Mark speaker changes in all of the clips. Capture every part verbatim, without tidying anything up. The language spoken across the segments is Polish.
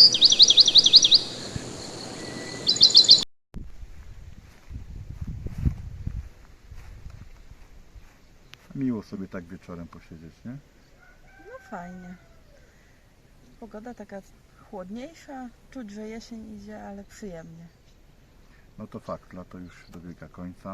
Speaker 1: Miło sobie tak wieczorem posiedzieć, nie?
Speaker 2: No fajnie. Pogoda taka chłodniejsza, czuć, że jesień idzie, ale przyjemnie.
Speaker 1: No to fakt, lato już dobiega końca.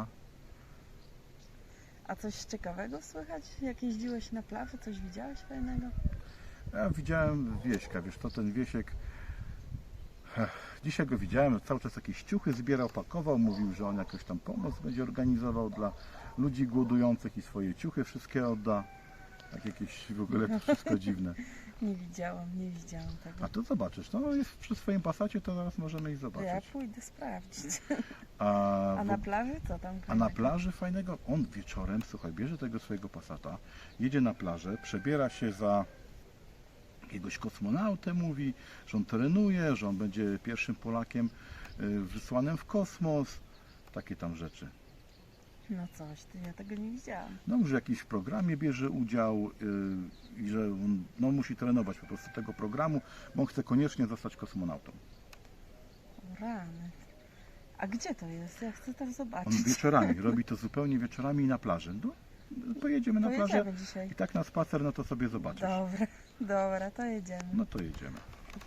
Speaker 2: A coś ciekawego słychać? Jak jeździłeś na plaży, coś widziałeś fajnego?
Speaker 1: Ja widziałem Wieśka, wiesz to ten Wiesiek, ech, dzisiaj go widziałem, cały czas jakieś ciuchy zbierał, pakował, mówił, że on jakąś tam pomoc będzie organizował dla ludzi głodujących i swoje ciuchy wszystkie odda. Tak jakieś w ogóle to wszystko dziwne.
Speaker 2: Nie widziałam, nie widziałam tego.
Speaker 1: A to zobaczysz, no jest przy swoim pasacie, to zaraz możemy iść
Speaker 2: To ja
Speaker 1: zobaczyć.
Speaker 2: pójdę sprawdzić.
Speaker 1: A,
Speaker 2: A
Speaker 1: w-
Speaker 2: na plaży co tam?
Speaker 1: A na plaży fajnego, on wieczorem, słuchaj, bierze tego swojego Passata, jedzie na plażę, przebiera się za jakiegoś kosmonautę, mówi, że on trenuje, że on będzie pierwszym Polakiem y, wysłanym w kosmos, takie tam rzeczy.
Speaker 2: No coś, to ja tego nie widziałam.
Speaker 1: No, że w jakimś programie bierze udział y, i że on no, musi trenować po prostu tego programu, bo on chce koniecznie zostać kosmonautą.
Speaker 2: O rany. A gdzie to jest? Ja chcę tam
Speaker 1: On
Speaker 2: zobaczyć.
Speaker 1: wieczorami, robi to zupełnie wieczorami i na plaży. No, pojedziemy na plażę
Speaker 2: Pojedziemy dzisiaj.
Speaker 1: i tak na spacer, no to sobie zobaczysz.
Speaker 2: Dobra, dobra, to jedziemy.
Speaker 1: No to jedziemy.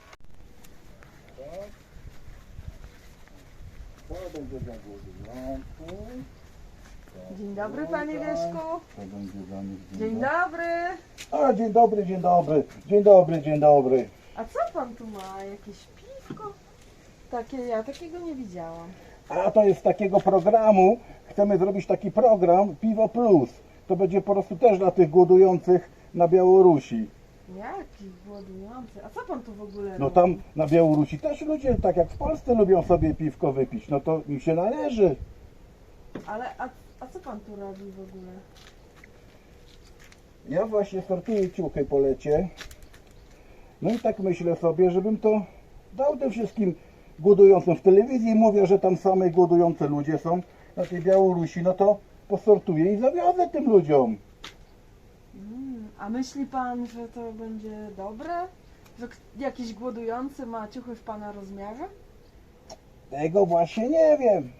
Speaker 1: To będzie dla głodujących.
Speaker 2: Dzień dobry, panie Wieszku.
Speaker 1: To będzie dla nich
Speaker 2: Dzień dobry.
Speaker 3: A, dzień dobry, dzień dobry, dzień dobry, dzień dobry.
Speaker 2: A co pan tu ma? Jakieś piwko? Takie, ja takiego nie widziałam.
Speaker 3: A to jest z takiego programu, chcemy zrobić taki program Piwo Plus. To będzie po prostu też dla tych głodujących na Białorusi.
Speaker 2: Jaki głodujący. A co pan tu w ogóle
Speaker 3: No
Speaker 2: robi?
Speaker 3: tam na Białorusi też ludzie, tak jak w Polsce, lubią sobie piwko wypić. No to im się należy.
Speaker 2: Ale, a, a co pan tu robi w ogóle?
Speaker 3: Ja właśnie sortuję ciuchy po lecie. No i tak myślę sobie, żebym to dał tym wszystkim głodującym. W telewizji mówię, że tam same głodujące ludzie są na tej Białorusi. No to posortuję i zawiozę tym ludziom.
Speaker 2: Mm, a myśli pan, że to będzie dobre? Że k- jakiś głodujący ma ciuchy w pana rozmiarze?
Speaker 3: Tego właśnie nie wiem.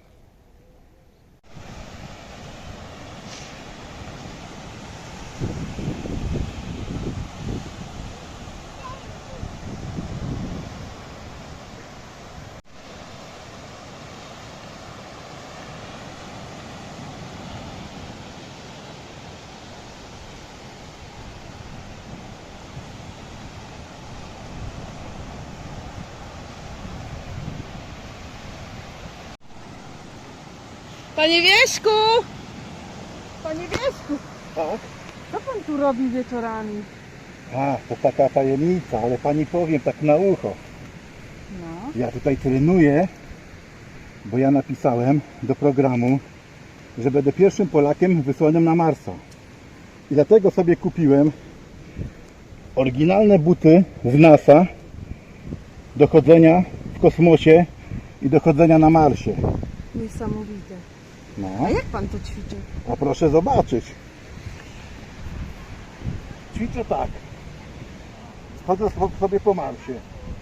Speaker 2: Panie Wieśku! Panie Wieśku!
Speaker 3: Tak?
Speaker 2: Co pan tu robi wieczorami?
Speaker 3: A, to taka tajemnica, ale pani powiem tak na ucho.
Speaker 2: No.
Speaker 3: Ja tutaj trenuję, bo ja napisałem do programu, że będę pierwszym Polakiem wysłanym na Marsa. I dlatego sobie kupiłem oryginalne buty z NASA do chodzenia w kosmosie i do chodzenia na Marsie.
Speaker 2: Niesamowite.
Speaker 3: No,
Speaker 2: A jak pan to ćwiczy?
Speaker 3: a proszę zobaczyć. Ćwiczę tak. Chodzę sobie po Marsie.